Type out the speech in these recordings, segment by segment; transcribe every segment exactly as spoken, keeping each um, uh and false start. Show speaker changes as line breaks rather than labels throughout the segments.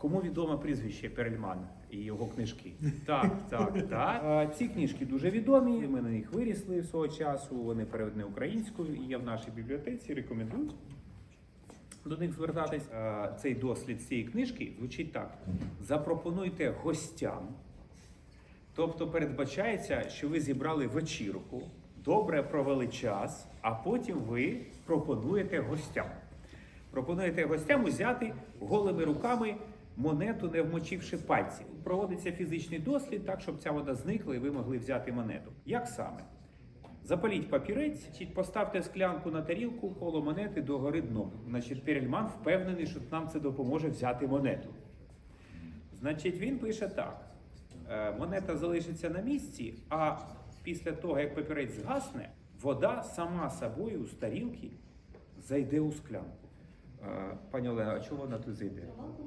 Кому відоме прізвище Перельман і його книжки? Так, так, так. А, ці книжки дуже відомі, ми на них вирісли свого часу, вони переведені українською і є в нашій бібліотеці, рекомендую до них звертатись. А, цей дослід цієї книжки звучить так. Запропонуйте гостям, тобто передбачається, що ви зібрали вечірку, добре провели час, а потім ви пропонуєте гостям. Пропонуєте гостям узяти голими руками монету, не вмочивши пальці. Проводиться фізичний дослід так, щоб ця вода зникла і ви могли взяти монету. Як саме? Запаліть папірець, поставте склянку на тарілку коло монети догори дном. Значить, Перельман впевнений, що нам це допоможе взяти монету. Значить, він пише так. Монета залишиться на місці, а після того, як папірець згасне, вода сама собою з тарілки зайде у склянку. Пані Олена, а чого вона тут зайде?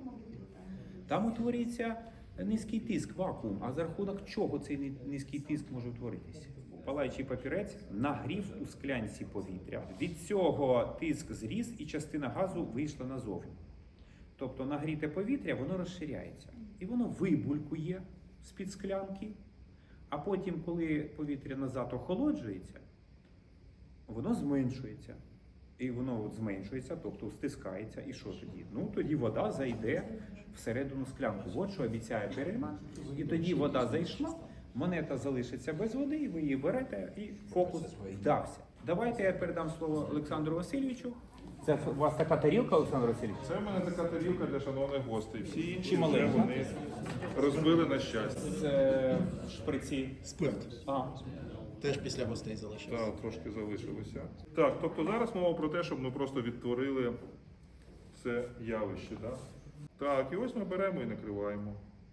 Там утворюється низький тиск, вакуум. А за рахунок чого цей низький тиск може утворитися? Палаючий папірець нагрів у склянці повітря. Від цього тиск зріс і частина газу вийшла назовні. Тобто нагріте повітря, воно розширяється. І воно вибулькує з-під склянки. А потім, коли повітря назад охолоджується, воно зменшується. І воно от зменшується, тобто стискається. І що тоді? Ну, тоді вода зайде всередину склянку. От що обіцяє Перельман. І тоді вода зайшла, монета залишиться без води, і ви її берете, і фокус вдався. Давайте я передам слово Олександру Васильовичу. Це у вас така тарілка, Олександр Васильович?
Це в мене така тарілка для шановних гостей. Всі інші
Чи
вже
маленька?
вони розбили на щастя.
Це шприці.
Спирт.
А.
Теж після гостей залишився.
Так, трошки залишилося. Так, тобто зараз мова про те, щоб ми просто відтворили це явище. Так, так, і ось ми беремо і накриваємо.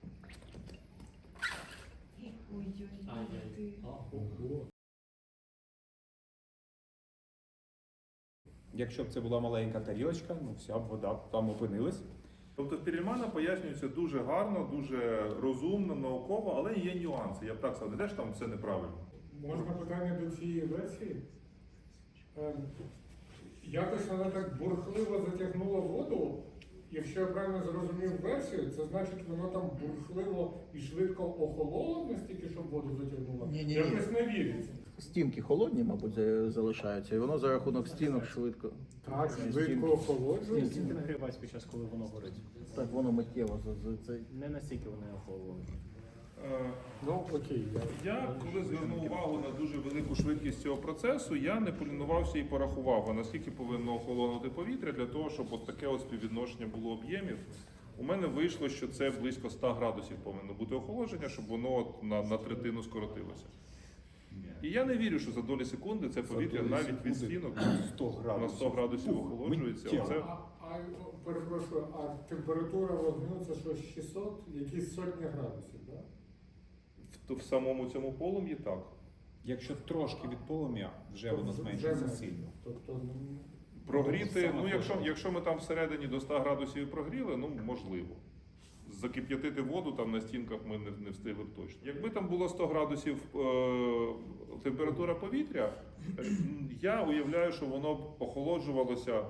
Якщо б це була маленька тарілочка, ну вся б вода там опинилась.
Тобто в Перельмана пояснюється дуже гарно, дуже розумно, науково, але є нюанси. Я б так сказав, не те, що там все неправильно.
Можна питання до цієї версії? Ем, якось вона так бурхливо затягнула воду. Якщо я правильно зрозумів версію, це значить, воно там бурхливо і швидко охололо настільки, щоб воду затягнуло?
Ні-ні-ні.
Якось не віриться.
Стінки холодні, мабуть, за- залишаються, і воно за рахунок стінок швидко.
Так, швидко охолоджується.
Стінки нагріваються під час, коли воно горить.
Так воно миттєво за, за цей.
Не настільки вони охололи.
Е,
Ну, окей. Я...
Я, коли звернув увагу на дуже велику швидкість цього процесу, я не полінувався і порахував, а наскільки повинно охолонути повітря для того, щоб от таке от співвідношення було об'ємів. У мене вийшло, що це близько ста градусів повинно бути охолодження, щоб воно от на, на третину скоротилося. І я не вірю, що за долі секунди це повітря навіть від стінок на сто градусів охолоджується. Оце...
А, а, перепрошую, а температура вогню це що, шістсот, якісь сотні градусів, так? Да?
в, в самому цьому полум'ї так.
Якщо трошки від полум'я, вже воно
Вже
зменшується
менше.
сильно.
Тобто, ну,
Прогріти,
Саме
ну якщо,
точно.
якщо ми там всередині до ста градусів прогріли, ну можливо. Закип'ятити воду там на стінках ми не, не встигли б точно. Якби там було сто градусів е, температура повітря, е, я уявляю, що воно б охолоджувалося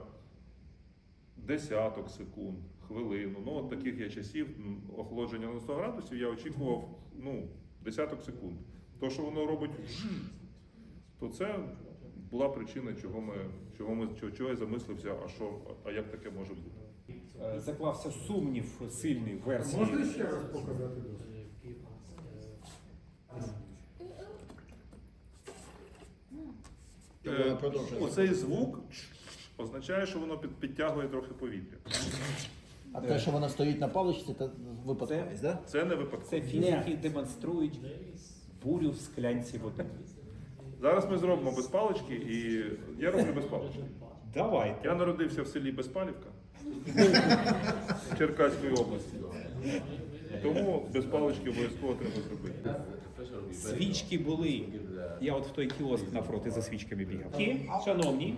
десяток секунд, хвилину. Ну от таких я часів м, охолодження на сто градусів я очікував ну, десяток секунд. То, що воно робить, то це була причина, чого ми, чого ми чого, чого я замислився, а що, а як таке може бути.
Е, Заклався сумнів сильний в версії.
можна ще раз показати досвід?
Е,
продовжує.
Оцей звук означає, що воно під, підтягує трохи повітря.
А те, що вона стоїть на паличці, це випадковість, так?
Це не випадково.
Це фізики демонструють бурю в склянці води.
Зараз ми зробимо без палички, і я роблю без палички.
Давайте.
Я народився в селі Безпалівка Черкаської області. Тому без палички обов'язково треба зробити.
Свічки були. Я от в той кіоск навпроти за свічками бігав. Ті, шановні,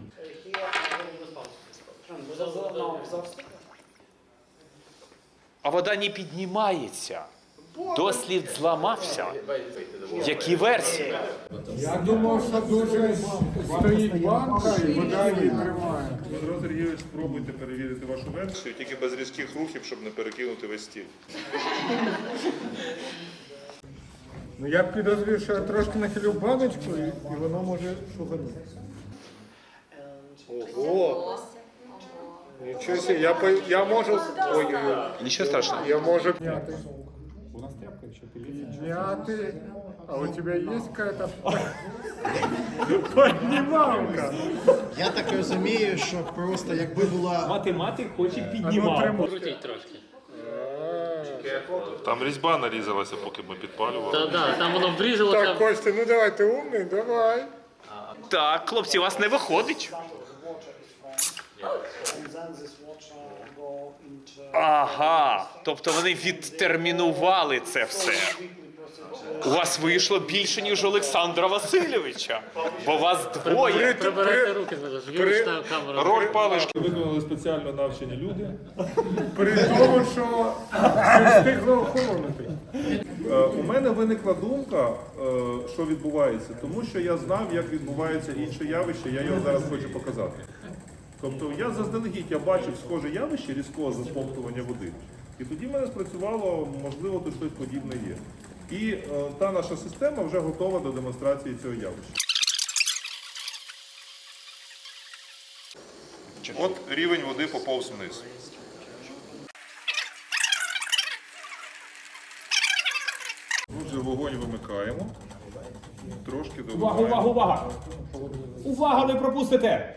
а вода не піднімається.
Дослід зламався. Які версії?
Я думав, що дуже стоїть банка і вода її тримає.
Дмитро Сергійович, спробуйте перевірити вашу версію, тільки без різких рухів, щоб не перекинути весь стіл.
Ну я підозрюю, що я трошки нахилю баночку і, і воно може шуганути. Ого! Нічого себе, я, по- я можу... Ой-ой-ой.
Нічого страшного.
Я можу пняти.
У нас тряпка, якщо ти
Пняти. А у тебя есть какая-то поднималка?
Я так розумію, що просто якби була
Математик хоче
А ну,
піднімати.
тримай.
Там різьба нарізалася, поки ми підпалювали.
Так, да, там воно врізалося.
Так, Костя, ну давай, ти умний, давай.
Так, хлопці, у вас не виходить. Ага, тобто вони відтермінували це все. У вас вийшло більше, ніж у Олександра Васильовича, бо вас двоє.
Прибирайте руки, виключте камеру.
Роль палички виконали спеціально навчені люди.
При тому, що не встигло охолонути.
Е, У мене виникла думка, е, що відбувається, тому що я знав, як відбувається інше явище, я його зараз хочу показати. Тобто я заздалегідь я бачив схоже явище різкого засмоктування води. І тоді в мене спрацювало, можливо, тут щось подібне є. І е, та наша система вже готова до демонстрації цього явища. От рівень води поповз вниз. Отже, вогонь вимикаємо. Трошки
Увага, увага,
доливаємо.
увага! Увага, не пропустите!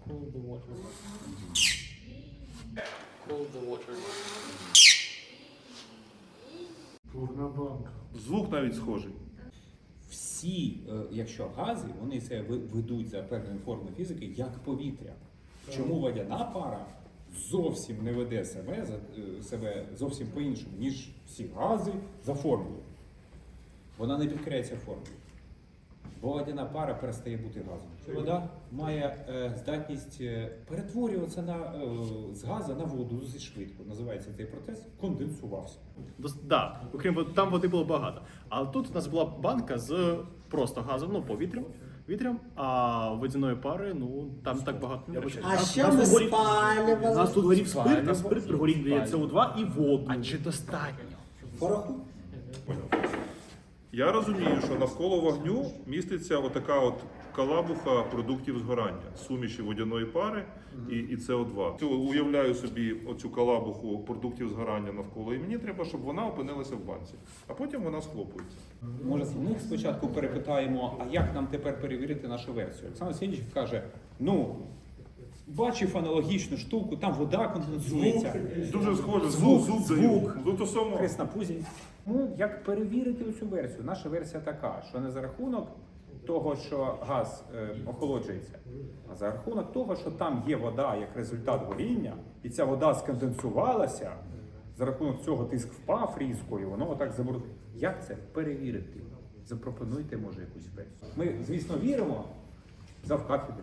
Повна банка.
Звук навіть схожий.
Всі, е, якщо гази, вони це ви- ведуть за певною формою фізики, як повітря. Чому водяна пара зовсім не веде себе, за- е, себе зовсім по-іншому, ніж всі гази за формулою. Вона не підкоряється формулою. Бо водяна пара перестає бути газом. Вода має е, здатність е, перетворюватися на, е, з газу на воду зі швидко. Називається цей процес конденсувався.
Дос- Да, окрім води, там води було багато. А тут у нас була банка з просто газом, ну повітрям, вітрям, а водяної пари, ну там так багато не було.
А що ми спалювали?
У нас тут горів спирт, а спирт при горінні дає С О два і воду.
А чи достатньо?
Пороху?
Я розумію, що навколо вогню міститься отака от калабуха продуктів згорання, суміші водяної пари і, і С О два. Цю- Уявляю собі оцю калабуху продуктів згорання навколо, і мені треба, щоб вона опинилася в банці, а потім вона схлопується.
Може, з них спочатку перепитаємо, а як нам тепер перевірити нашу версію? Олександр Сергійович каже, ну, бачив аналогічну штуку, там вода конденсується.
Дуже схоже,
Звук,
звук,
звук.
звук. Ну то само.
Хрест на пузі. Ну, як перевірити цю версію? Наша версія така, що не за рахунок того, що газ е, охолоджується, а за рахунок того, що там є вода як результат горіння, і ця вода сконденсувалася, за рахунок цього тиск впав різко, і воно отак забруднило. Як це перевірити? Запропонуйте, може, якусь версію. Ми, звісно, віримо завкафедрі.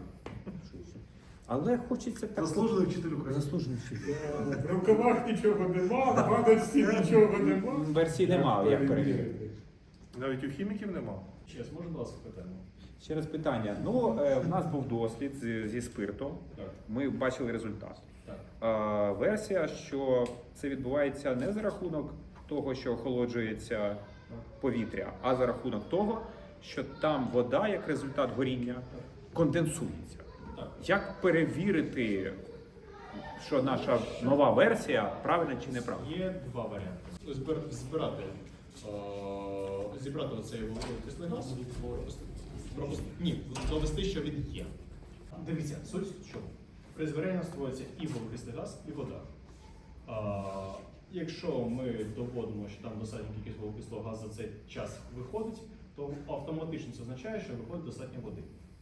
Але хочеться так... Заслужений вчитель України. Заслужений вчитель.
В рукавах нічого нема, в баночці нічого нема.
Версії немає, як перевірити.
Навіть у хіміків нема.
Чес, можна до вас питання?
Ще раз питання. Ну, е, в нас був дослід зі, зі спиртом. Ми бачили результат. Е, версія, що це відбувається не за рахунок того, що охолоджується повітря, а за рахунок того, що там вода, як результат горіння, конденсується. Як перевірити, що наша нова версія правильна чи неправильна?
Є два варіанти. Збир- збирати, е, зібрати оцей вуглекислий газ, пропусти- ні, довести, що він є. Дивіться, суть в чому. При збиранні створюється і вуглекислий газ, і вода. А, якщо ми доводимо, що там достатня кількість вуглекислого газу за цей час виходить, то автоматично це означає, що виходить достатньо води.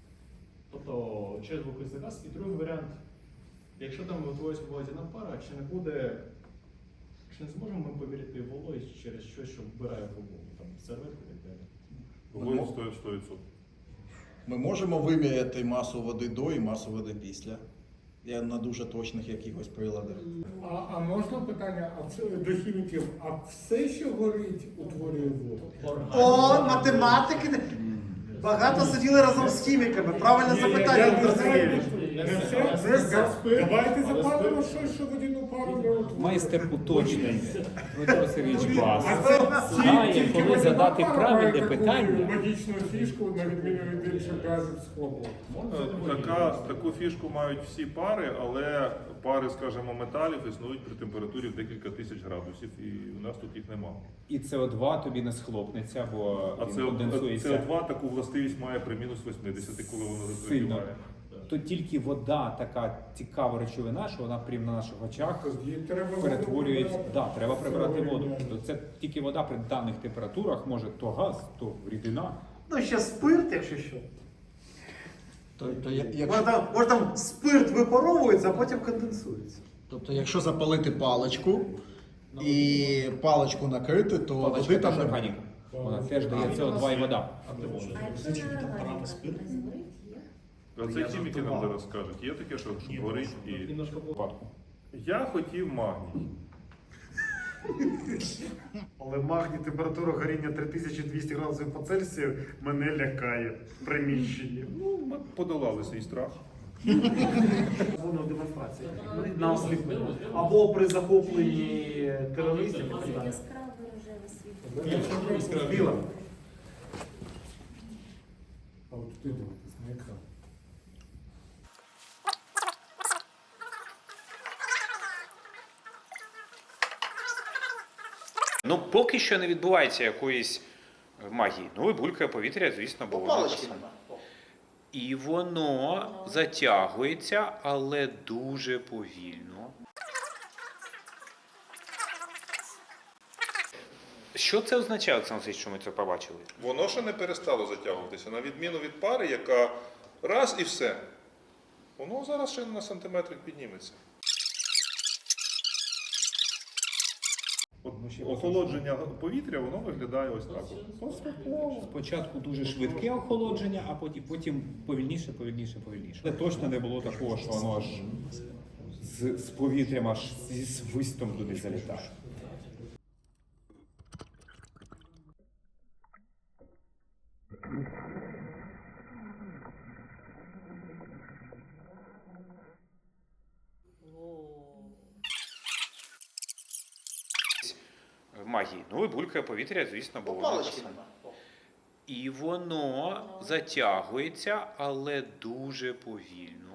Тобто через вуглекислий газ. І другий варіант, якщо там утворюється водяна пара, чи не буде, чи не зможемо ми поміряти вологість через щось, що вбирає вологу, там серветку і так далі.
Вогонь стоїть сто відсотків.
ми можемо виміряти масу води до і масу води після. Я на дуже точних якихось приладах.
А, а можна питання а це, до хіміків, а все, що горить, утворює воду?
О, математики. Багато сиділи разом з хіміками. Правильне
Ні, я-
запитання,
я
Віктор
не знаю,
Сергійович.
не все.
Це все.
Давайте запалимо щось, що водяну пару не утворює.
Майстер уточнень. Дмитро Сергійович Бас.
А це
Знає,
тільки
коли
водяна
задати
пара
правильне
має таку
питання.
магічну фішку, на відміну від інших газів з хлопу.
Е, Така, таку фішку мають всі пари, але пари, скажімо, металів існують при температурі в декілька тисяч градусів, і у нас тут їх немає.
І С О два тобі не схлопнеться, бо
А
він
це
конденсується.
С О два таку властивість має при мінус вісімдесят, коли воно
Сильно.
розігріває.
То тільки вода така цікава речовина, що вона прямо на наших очах
Тоді треба
перетворюється.
воду
Да, треба прибирати
Це
воду.
оригінально.
То це тільки вода при даних температурах може то газ, то рідина.
Ну, ще спирт, якщо що.
Тобто, я-
Може
якщо,
там, може там спирт випаровується, а потім конденсується.
тобто, якщо запалити паличку і паличку накрити, то води
Паличка
там
теж
не
органіка. Вона теж дає С О два і вода.
А це хіміки нам зараз скажуть. Є таке, що що горить і.
Випадку.
Я хотів магній.
Але магній, температура горіння три тисячі двісті градусів по Цельсію мене лякає в приміщенні.
Ну, ми подолали свій страх.
Воно демонстрації на осліплення. Або при захопленні терористів. і так далі. Біла.
А от туди дивитись на екран.
Ну, поки що не відбувається якоїсь магії. Ну, і булькає повітря, звісно, бо воно
Палички
те саме.
нема.
І воно затягується, але дуже повільно. Що це означає, Олександр Васильович, що ми це побачили?
Воно ще не перестало затягуватися, на відміну від пари, яка раз і все. Воно зараз ще на сантиметрик підніметься. От охолодження повітря, воно виглядає ось так. от.
Спочатку дуже швидке охолодження, а потім, потім повільніше, повільніше, повільніше. Але точно не було такого, що воно аж з, з повітрям аж зі свистом туди залітає.
Магії. Ну, і булькає повітря, звісно, бо воно те
Палички
саме.
нема.
І воно затягується, але дуже повільно.